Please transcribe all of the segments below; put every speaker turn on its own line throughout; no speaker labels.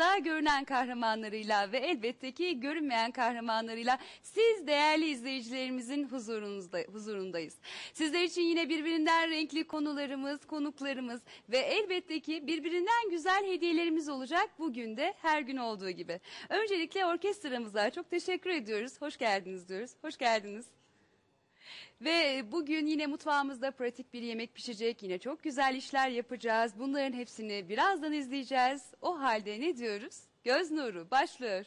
Mutfağında görünen kahramanlarıyla ve elbette ki görünmeyen kahramanlarıyla siz değerli izleyicilerimizin huzurundayız. Sizler için yine birbirinden renkli konularımız, konuklarımız ve elbette ki birbirinden güzel hediyelerimiz olacak bugün de her gün olduğu gibi. Öncelikle orkestramıza çok teşekkür ediyoruz. Hoş geldiniz diyoruz. Hoş geldiniz. Ve bugün yine mutfağımızda pratik bir yemek pişecek. Yine çok güzel işler yapacağız. Bunların hepsini birazdan izleyeceğiz. O halde ne diyoruz? Göz nuru başlıyor.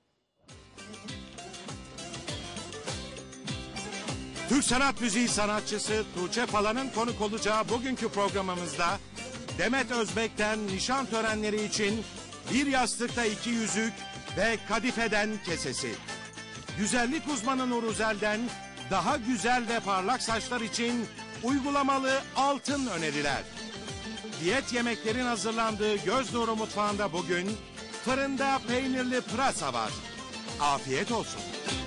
Türk sanat müziği sanatçısı Tuğçe Pala'nın konuk olacağı bugünkü programımızda Demet Özbek'ten nişan törenleri için bir yastıkta 2 yüzük ve kadifeden kesesi. Güzellik uzmanı Nur Uzel'den daha güzel ve parlak saçlar için uygulamalı altın öneriler. Diyet yemeklerin hazırlandığı Göz Nuru mutfağında bugün fırında peynirli pırasa var. Afiyet olsun.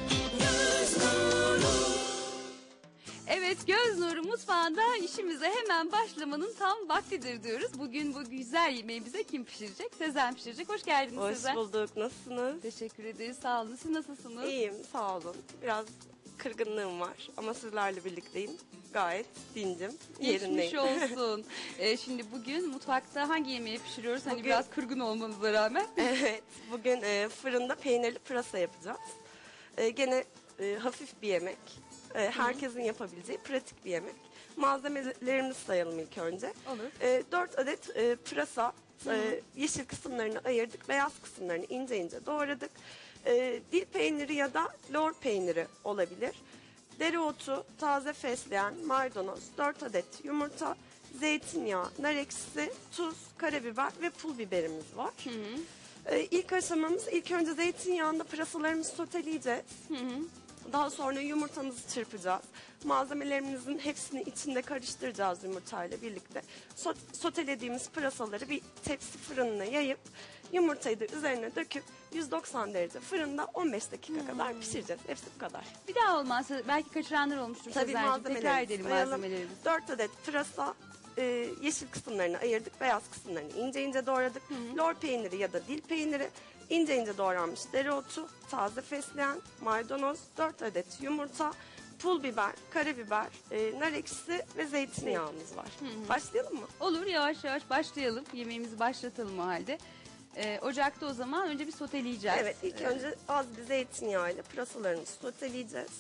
Evet, Göz Nuru mutfağında işimize hemen başlamanın tam vaktidir diyoruz. Bugün bu güzel yemeği bize kim pişirecek? Sezen pişirecek. Hoş geldiniz Sezen.
Hoş bulduk. Nasılsınız?
Teşekkür ederiz. Sağ olun. Siz nasılsınız?
İyiyim. Sağ olun. Biraz kırgınlığım var ama sizlerle birlikteyim. Gayet dincim.
Geçmiş
Yerindeyim.
olsun. Şimdi bugün mutfakta hangi yemeği pişiriyoruz? Hani
Bugün-
biraz kırgın olmanıza rağmen.
Evet. Bugün fırında peynirli pırasa yapacağız. Gene hafif bir yemek. Herkesin yapabileceği pratik bir yemek. Malzemelerimizi sayalım ilk önce.
Olur.
4 adet pırasa. Yeşil kısımlarını ayırdık. Beyaz kısımlarını ince ince doğradık. Dil peyniri ya da lor peyniri olabilir. Dereotu, taze fesleğen, maydanoz, 4 adet yumurta, zeytinyağı, nar ekşisi, tuz, karabiber ve pul biberimiz var. İlk aşamamız ilk önce zeytinyağında pırasalarımızı soteleyeceğiz. Daha sonra yumurtamızı çırpacağız. Malzemelerimizin hepsini içinde karıştıracağız yumurtayla birlikte. Sotelediğimiz pırasaları bir tepsi fırınına yayıp yumurtayı da üzerine döküp 190 derece fırında 15 dakika kadar pişireceğiz. Hepsi bu kadar.
Bir daha olmazsa belki kaçıranlar olmuştur
Tabii
Sezen'cim. Tekrar edelim
sayalım.
malzemelerimizi.
4 adet pırasa, yeşil kısımlarını ayırdık. Beyaz kısımlarını ince ince doğradık. Lor peyniri ya da dil peyniri, ince ince doğranmış dereotu, taze fesleğen, maydanoz, 4 adet yumurta, pul biber, karabiber, nar ekşisi ve zeytinyağımız var. Başlayalım mı?
Olur, yavaş yavaş başlayalım. Yemeğimizi başlatalım o halde. Ocakta o zaman önce bir soteleyeceğiz.
Evet, ilk önce az bir zeytinyağıyla pırasalarımızı soteleyeceğiz.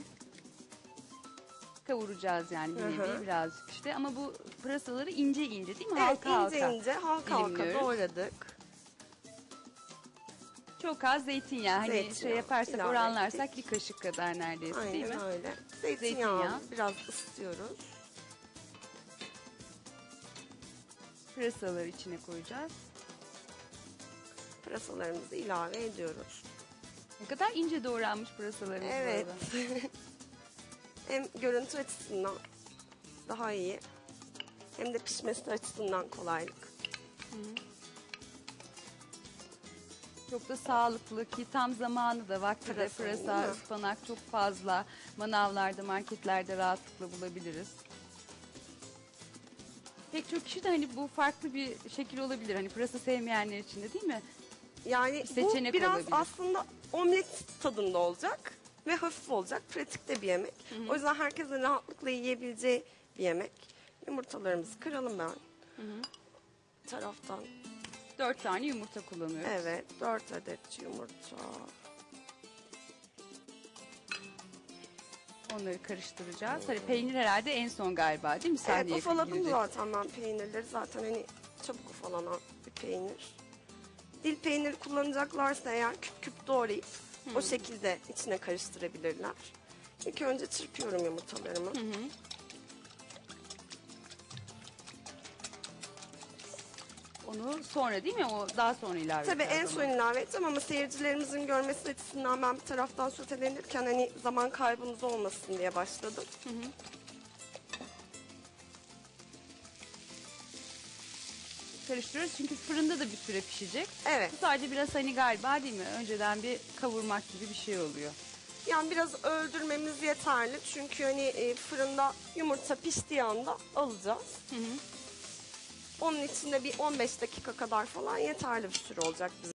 Kavuracağız yani bir nevi birazcık işte. Ama bu pırasaları ince ince değil mi?
Evet,
Halka
ince
halka.
ince, halka
dilimliyoruz.
doğradık.
Çok az zeytinyağı. Hani
Zeytinyağı
şey yaparsak,
ilave
oranlarsak
ettik.
bir kaşık kadar neredeyse değil mi?
Aynen öyle.
Zeytinyağı.
Zeytinyağımızı biraz ısıtıyoruz.
Pırasaları içine koyacağız.
Pırasalarımızı ilave ediyoruz.
Ne kadar ince doğranmış pırasalarımız
Evet.
bu arada.
Hem görüntü açısından daha iyi, hem de pişmesi açısından kolaylık.
Çok da sağlıklı ki tam zamanı da vakti de
Pırasa,
pırasa,
değil mi?
ıspanak çok fazla. Manavlarda, marketlerde rahatlıkla bulabiliriz. Pek çok kişi de hani bu farklı bir şekil olabilir. Hani pırasa sevmeyenler için de değil mi?
Yani
Seçenek
bu biraz
olabilir.
aslında omlet tadında olacak ve hafif olacak, pratik de bir yemek. O yüzden herkesin rahatlıkla yiyebileceği bir yemek. Yumurtalarımızı kıralım ben. Bir taraftan.
4 tane yumurta kullanıyoruz.
Evet, 4 adet yumurta.
Onları karıştıracağız. Hani peynir herhalde en son galiba değil mi?
Evet,
Sahneye
ufaladım
girecek.
zaten ben peynirleri. Zaten hani çabuk ufalanan bir peynir. Dil peyniri kullanacaklarsa eğer küp küp doğrayıp o şekilde içine karıştırabilirler. İlk önce çırpıyorum yumurtalarımı.
Onu sonra değil mi? O daha sonra ilave
Tabii en
edeceğiz
son
onu.
ilave edeceğim ama seyircilerimizin görmesi açısından ben bir taraftan sotelenirken hani zaman kaybımız olmasın diye başladım.
Karıştırıyoruz çünkü fırında da bir süre pişecek.
Evet.
Bu sadece biraz hani galiba değil mi? Önceden bir kavurmak gibi bir şey oluyor.
Yani biraz öldürmemiz yeterli çünkü hani fırında yumurta piştiği anda alacağız. Onun içinde bir 15 dakika kadar falan yeterli bir süre olacak bizim